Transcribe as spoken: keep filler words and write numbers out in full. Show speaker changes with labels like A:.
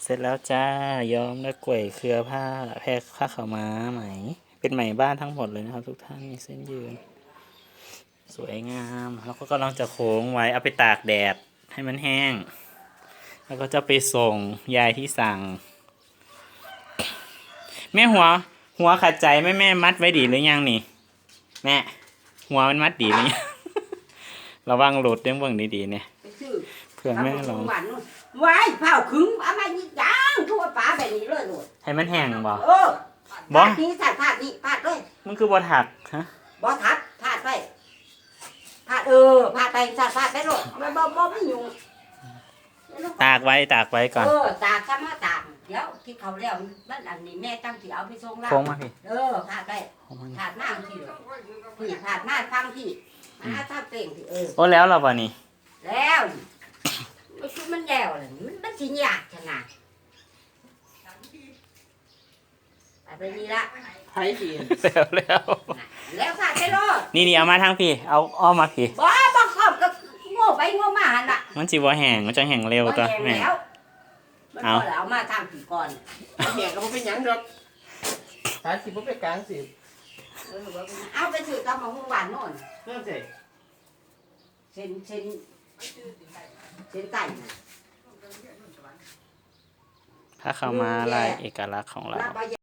A: เสร็จแล้วจ้าย้อมด้วยกล้วยเครือผ้าแพรผ้าขาวม้าไหมเป็นไหมบ้านทั้งหมดเลยนะครับทุกท่านมีเส้นยืนสวยงามแล้วก็กำลังจะโค้งไว้เอาไปตากแดดให้มันแห้งแล้วก็จะไปส่งยายที่สั่งแม่หัวหัวขัดใจแม่แม่มัดไว้ดีหรือยังนี่แม่หัวมันมัดดีหรือยัง ระวังหลุดเรื่องเบิ่งดีๆเนี่ยเพื่อแม่ลอง
B: ไว้เผาขึงเอามายิงยางทั่วป่าแบบนี้เลยโลด
A: ให้มันแห้งบ่
B: เออบ่นี้ใส่ผ้านี่ผ้าด้วย
A: มันคือบ่ถักฮะ
B: บ่ถักผ้าไปผ้าเออผ้าไปใส่ผ้าไปโลดบ่บ่บ่ไม่ยุ่ง
A: ตากไว้ตากไว้ก่อน
B: เออตากก็มาตากเดี๋ยวที่เขาแล้วมันอันนี้แม่ตั้งที่เอาไปส่งแล้ว
A: โค้งมาพี่
B: เออผ้าไปผ้าหน้าที่พี่ผ้าหน้าฟังที่มาถ้าเป่งที่เออ
A: โอ้แล้วเราบ่นี่
B: แล้วมันคือมันแล้วเลยมันมันสิยากขนาดไปนี่ละ
C: ไผ่ดี
A: แล้วแล้ว
B: แล้วผ้าไปโลด
A: นี่นี่เอามาทางพี่เอาอ้อมมาพี่
B: บ่บ่ครอบก็โง่ไปโง่มาหั่นน่ะ
A: มันสิบ่แห้งมันจะแห้งเร็วตัว
B: แม่มันบ่เอามาทำผีก่อน
C: แม่ก็บ่เป็นหยังดอกสายสิบ่ไปกลางสิ
B: เอาไปซื้อตำมะฮุ่งหวานโน่น
C: เพิ่มสิ
B: เส้นเส้นเส้นไก่
A: ถ้าเข้ามาลายเอกลักษณ์ของเรา